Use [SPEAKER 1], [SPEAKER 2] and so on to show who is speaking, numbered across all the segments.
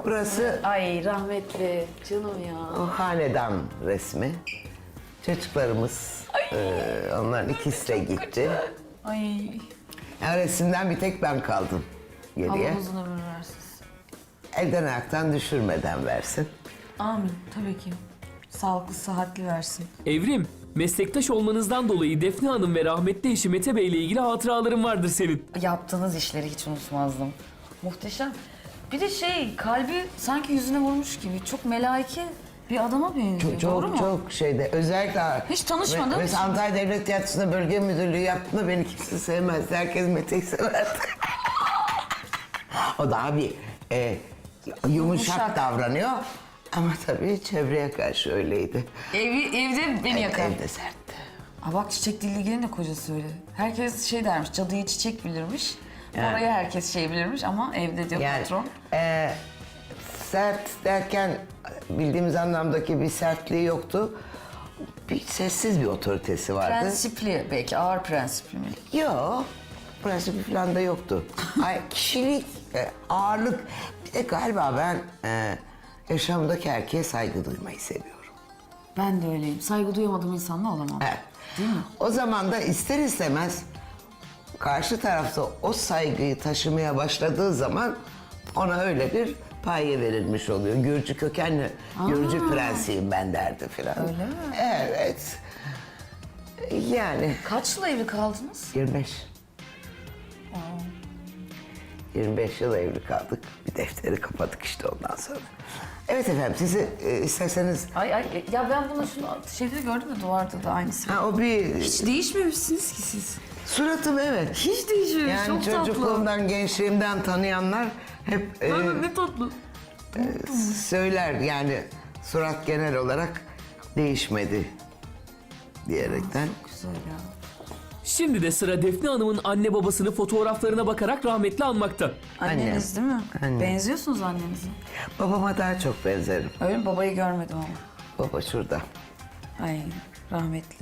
[SPEAKER 1] Burası
[SPEAKER 2] Ay rahmetli canım ya.
[SPEAKER 1] o hanedan resmi. Çocuklarımız, onların ikisi de gitti.
[SPEAKER 2] Ay
[SPEAKER 1] Yani resimden bir tek ben kaldım geriye.
[SPEAKER 2] Allah uzun ömür versin.
[SPEAKER 1] Elden ayaktan düşürmeden versin.
[SPEAKER 2] Amin tabii ki. Sağlıklı sıhhatli versin.
[SPEAKER 3] Evrim, meslektaş olmanızdan dolayı Defne Hanım ve rahmetli eşi Mete Bey ile ilgili hatıraların vardır senin.
[SPEAKER 2] Yaptığınız işleri hiç unutmazdım. Muhteşem. Bir de kalbi sanki yüzüne vurmuş gibi. Çok melaike bir adama benziyor. Doğru mu?
[SPEAKER 1] Çok şeyde özellikle...
[SPEAKER 2] Hiç tanışmadığım için.
[SPEAKER 1] Mesela Antalya Devlet Tiyatrosu'nda bölge müdürlüğü yaptığında beni kimse sevmezdi. Herkes Mete'yi severdi. O daha bir yumuşak davranıyor. Ama tabii çevreye karşı öyleydi.
[SPEAKER 2] Evde beni yakar.
[SPEAKER 1] Evde sertti.
[SPEAKER 2] Aa bak Çiçek Dilligen'in de kocası öyle. Herkes dermiş, cadıyı çiçek bilirmiş. Oraya herkes bilirmiş ama evde diyor patron.
[SPEAKER 1] Sert derken bildiğimiz anlamdaki bir sertliği yoktu. Bir sessiz bir otoritesi vardı.
[SPEAKER 2] Prensipli belki, ağır prensipli mi?
[SPEAKER 1] Yok, prensibi falan da yoktu. Ay, kişilik, ağırlık. Bir de galiba ben yaşamdaki erkeğe saygı duymayı seviyorum.
[SPEAKER 2] Ben de öyleyim. Saygı duyamadığım insanla olamam.
[SPEAKER 1] Evet.
[SPEAKER 2] Değil mi?
[SPEAKER 1] O zaman da ister istemez karşı tarafta o saygıyı taşımaya başladığı zaman ona öyle bir paye verilmiş oluyor. Gürcü kökenli, Gürcü prensiyim ben derdi filan.
[SPEAKER 2] Öyle mi?
[SPEAKER 1] Evet. Yani
[SPEAKER 2] Kaç yıl evli kaldınız?
[SPEAKER 1] 25. 25 yıl evli kaldık. Bir defteri kapadık işte ondan sonra. Evet efendim, sizi isterseniz...
[SPEAKER 2] Ay ya ben bunu şeyde gördüm de duvarda da aynısı.
[SPEAKER 1] Ha, o bir...
[SPEAKER 2] Hiç değişmemişsiniz ki siz.
[SPEAKER 1] Suratım evet.
[SPEAKER 2] Hiç değişmemiş.
[SPEAKER 1] Yani
[SPEAKER 2] çok tatlı.
[SPEAKER 1] çocukluğumdan, gençliğimden tanıyanlar hep
[SPEAKER 2] Ne tatlı.
[SPEAKER 1] söyler yani surat genel olarak değişmedi diyerekten.
[SPEAKER 2] Güzel ya.
[SPEAKER 3] Şimdi de sıra Defne Hanım'ın anne babasını fotoğraflarına bakarak rahmetli anmakta.
[SPEAKER 2] Anneniz değil mi?
[SPEAKER 1] Annem.
[SPEAKER 2] Benziyorsunuz annenize.
[SPEAKER 1] Babama daha çok benzerim.
[SPEAKER 2] Öyle mi? Babayı görmedim ama.
[SPEAKER 1] Baba şurada.
[SPEAKER 2] Ay rahmetli.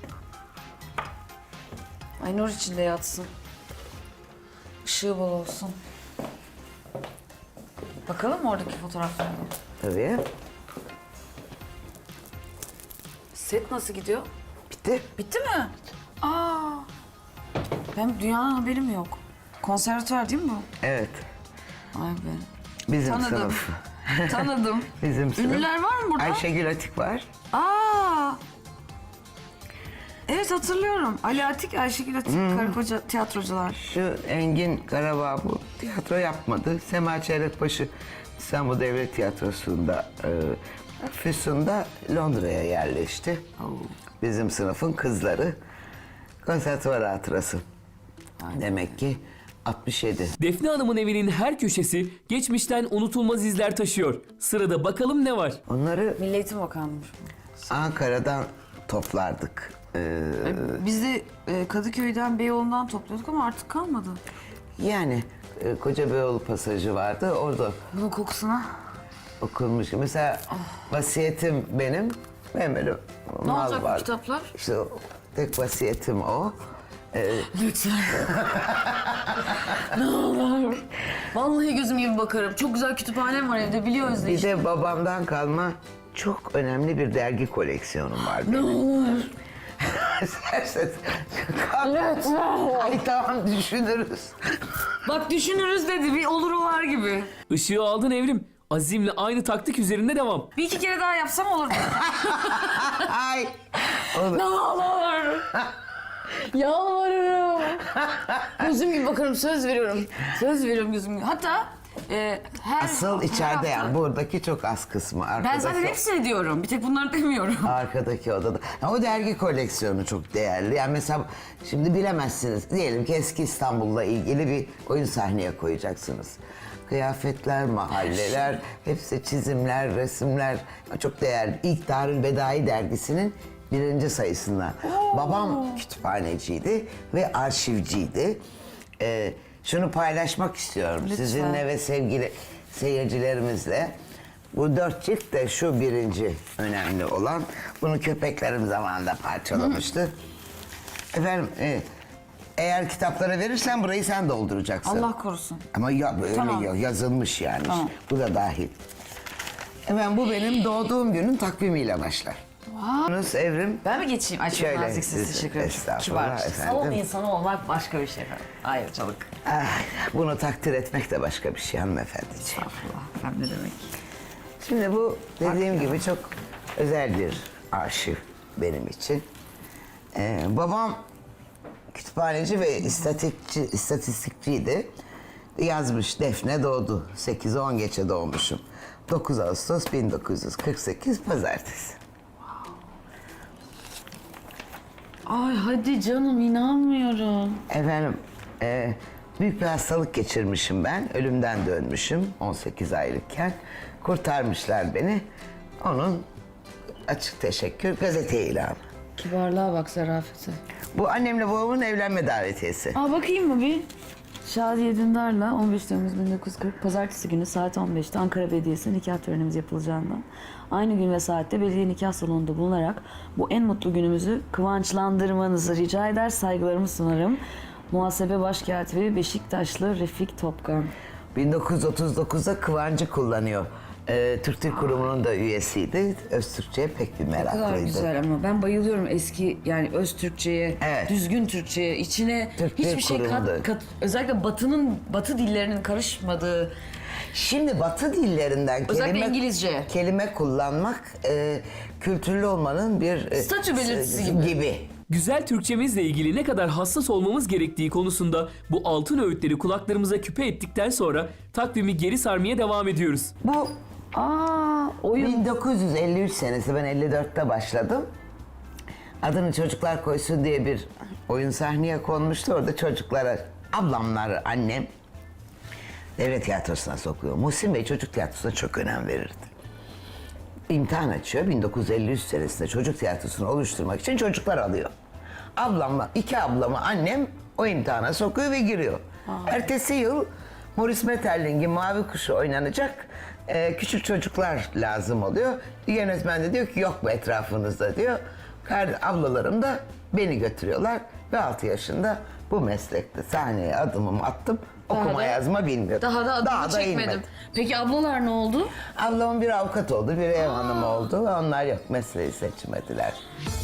[SPEAKER 2] Ay nur içinde yatsın. Işığı bol olsun. Bakalım mı oradaki fotoğraflara?
[SPEAKER 1] Tabii.
[SPEAKER 2] Set nasıl gidiyor?
[SPEAKER 1] Bitti.
[SPEAKER 2] Bitti mi? Aa. Ben dünyanın haberim yok. Konservatuvar değil mi bu?
[SPEAKER 1] Evet.
[SPEAKER 2] Ay be.
[SPEAKER 1] Bizim
[SPEAKER 2] Tanıdım.
[SPEAKER 1] sınıf.
[SPEAKER 2] Tanıdım.
[SPEAKER 1] Bizim sınıf.
[SPEAKER 2] Ünlüler var mı burada?
[SPEAKER 1] Ayşegül Atik var.
[SPEAKER 2] Aa. Evet hatırlıyorum. Ali Atik, Ayşegül Atik, karı koca tiyatrocular.
[SPEAKER 1] Şu Engin Karabağ bu tiyatro yapmadı. Sema Çeyrekbaşı İstanbul Devlet Tiyatrosu'nda Füsun'da Londra'ya yerleşti. Bizim sınıfın kızları. Konservatuvar hatırası. Demek ki 67.
[SPEAKER 3] Defne Hanım'ın evinin her köşesi geçmişten unutulmaz izler taşıyor. Sırada bakalım ne var?
[SPEAKER 1] Onları
[SPEAKER 2] Milli Eğitim Bakanlığı.
[SPEAKER 1] Ankara'dan toplardık.
[SPEAKER 2] Biz de Kadıköy'den, Beyoğlu'ndan topluyorduk ama artık kalmadı.
[SPEAKER 1] Yani Kocabeyoğlu pasajı vardı. Orada
[SPEAKER 2] Bunun kokusuna.
[SPEAKER 1] okunmuş. Mesela vasiyetim benim. Benim böyle
[SPEAKER 2] Ne
[SPEAKER 1] mal
[SPEAKER 2] olacak bu
[SPEAKER 1] var.
[SPEAKER 2] kitaplar?
[SPEAKER 1] İşte tek vasiyetim o.
[SPEAKER 2] Lütfen. Ne olur. Vallahi gözüm gibi bakarım. Çok güzel kütüphanem var evde biliyoruz
[SPEAKER 1] Bir
[SPEAKER 2] işte.
[SPEAKER 1] de babamdan kalma çok önemli bir dergi koleksiyonum var.
[SPEAKER 2] Ne olur.
[SPEAKER 1] İsterseniz.
[SPEAKER 2] Lütfen.
[SPEAKER 1] Ay tamam düşünürüz.
[SPEAKER 2] Bak düşünürüz dedi. Bir olur olar gibi.
[SPEAKER 3] Işığı aldın Evrim. Azimle aynı taktik üzerinde devam.
[SPEAKER 2] Bir iki kere daha yapsam olur mu?
[SPEAKER 1] Ay. Olur.
[SPEAKER 2] Ne olur. Yalvarırım. Gözüm gibi bakarım söz veriyorum. Söz veriyorum gözüm gibi. Hatta her
[SPEAKER 1] Asıl
[SPEAKER 2] her
[SPEAKER 1] içeride
[SPEAKER 2] hafta-
[SPEAKER 1] yani buradaki çok az kısmı. Arkadaki,
[SPEAKER 2] Ben zaten hepsini diyorum. Bir tek bunları demiyorum.
[SPEAKER 1] Arkadaki odada. Ya o dergi koleksiyonu çok değerli. Yani mesela şimdi bilemezsiniz. Diyelim ki eski İstanbul'la ilgili bir oyun sahneye koyacaksınız. Kıyafetler, mahalleler, hepsi çizimler, resimler. Çok değerli. İlk Darül Bedai dergisinin 1. sayısından. Babam kütüphaneciydi ve arşivciydi. Şunu paylaşmak istiyorum
[SPEAKER 2] Lütfen.
[SPEAKER 1] sizinle ve sevgili seyircilerimizle. Bu 4 cilt de şu birinci önemli olan. Bunu köpeklerim zamanında parçalamıştı. Efendim Eğer kitaplara verirsen burayı sen dolduracaksın.
[SPEAKER 2] Allah korusun.
[SPEAKER 1] Ama ya böyle
[SPEAKER 2] Tamam.
[SPEAKER 1] yazılmış yani.
[SPEAKER 2] Tamam.
[SPEAKER 1] Bu da dahil. Hemen bu benim doğduğum günün takvimiyle başlar. Yunus Evrim.
[SPEAKER 2] Ben mi geçeyim? Ay çok
[SPEAKER 1] Şöyle,
[SPEAKER 2] naziksiniz, teşekkür ederim.
[SPEAKER 1] estağfurullah
[SPEAKER 2] Kibar.
[SPEAKER 1] efendim.
[SPEAKER 2] Salon insanı olmak başka bir şey efendim. Ayrıcalık.
[SPEAKER 1] Ah, bunu takdir etmek de başka bir şey hanımefendiciğim.
[SPEAKER 2] Estağfurullah. Efendim ne demek?
[SPEAKER 1] Şimdi bu dediğim gibi çok özel bir arşiv benim için. Babam kütüphaneci ve istatistikçiydi. Yazmış Defne doğdu. 8-10 geçe doğmuşum. 9 Ağustos 1948 Pazartesi.
[SPEAKER 2] Ay hadi canım inanmıyorum.
[SPEAKER 1] Efendim büyük bir hastalık geçirmişim ben. Ölümden dönmüşüm 18 aylıkken. Kurtarmışlar beni. Onun açık teşekkür gazete ilanı.
[SPEAKER 2] Kibarlığa bak, zarafete.
[SPEAKER 1] Bu annemle babamın evlenme davetiyesi.
[SPEAKER 2] Aa bakayım mı bir? Şadiye Dündar'la 15 Temmuz 1940 Pazartesi günü saat 15'te Ankara Belediyesi'nde nikah törenimiz yapılacağından aynı gün ve saatte belediye nikah salonunda bulunarak bu en mutlu günümüzü kıvançlandırmanızı rica eder, saygılarımı sunarım. Muhasebe Başkatibi Beşiktaşlı Refik Topkan.
[SPEAKER 1] 1939'da Kıvancı kullanıyor. Türk Dil Kurumu'nun da üyesiydi. Öztürkçe'ye pek bir
[SPEAKER 2] Ne kadar
[SPEAKER 1] meraklıydı.
[SPEAKER 2] güzel ama ben bayılıyorum eski yani öz Türkçe'ye,
[SPEAKER 1] Evet.
[SPEAKER 2] düzgün Türkçe'ye, içine
[SPEAKER 1] Türk Dil
[SPEAKER 2] hiçbir şey
[SPEAKER 1] Kurumu'nda.
[SPEAKER 2] özellikle batı dillerinin karışmadığı.
[SPEAKER 1] Şimdi Batı dillerinden
[SPEAKER 2] Özellikle İngilizce.
[SPEAKER 1] kelime kullanmak kültürlü olmanın bir
[SPEAKER 2] Statü belirtisi gibi.
[SPEAKER 3] Güzel Türkçemizle ilgili ne kadar hassas olmamız gerektiği konusunda bu altın öğütleri kulaklarımıza küpe ettikten sonra takvimi geri sarmaya devam ediyoruz.
[SPEAKER 1] Bu
[SPEAKER 2] Oyun
[SPEAKER 1] 1953 senesi, ben 54'te başladım. Adını Çocuklar Koysun diye bir oyun sahneye konmuştu. Orada çocuklara, ablamlar, annem devlet tiyatrosuna sokuyor. Muhsin Bey çocuk tiyatrosuna çok önem verirdi. İmtihan açıyor. 1953 senesinde çocuk tiyatrosunu oluşturmak için çocuklar alıyor. Ablamla, iki ablamı annem o imtihana sokuyor ve giriyor. Ertesi yıl Maurice Maeterlinck'in Mavi Kuşu oynanacak. Küçük çocuklar lazım oluyor. Yönetmen de diyor ki yok mu etrafınızda diyor. Ablalarım da beni götürüyorlar ve 6 yaşında bu meslekte sahneye adımımı attım. Okuma yazma bilmiyorum.
[SPEAKER 2] daha da adını çekmedim.
[SPEAKER 1] inmedim.
[SPEAKER 2] Peki ablalar ne oldu?
[SPEAKER 1] Ablamın bir avukat oldu, bir ev hanımı oldu ve onlar yok, mesleği seçmediler.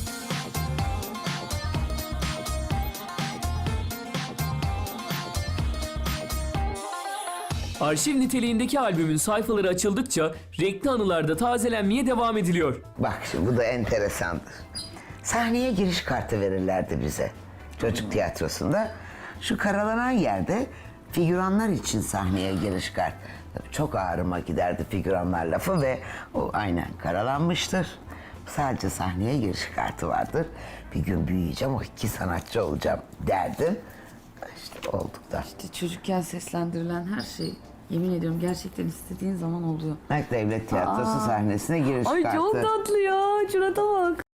[SPEAKER 3] Arşiv niteliğindeki albümün sayfaları açıldıkça renkli anılarda tazelenmeye devam ediliyor.
[SPEAKER 1] Bak şimdi bu da enteresandır. Sahneye giriş kartı verirlerdi bize çocuk tiyatrosunda. Şu karalanan yerde figüranlar için sahneye giriş kartı. Tabii çok ağrıma giderdi figüranlar lafı ve o aynen karalanmıştır. Sadece sahneye giriş kartı vardır. Bir gün büyüyeceğim, o iki sanatçı olacağım derdim. İşte olduk da.
[SPEAKER 2] İşte çocukken seslendirilen her şey yemin ediyorum gerçekten istediğin zaman oluyor.
[SPEAKER 1] Devlet Tiyatrosu sahnesine giriş
[SPEAKER 2] Ay
[SPEAKER 1] kartı.
[SPEAKER 2] çok tatlı ya. Şurada bak.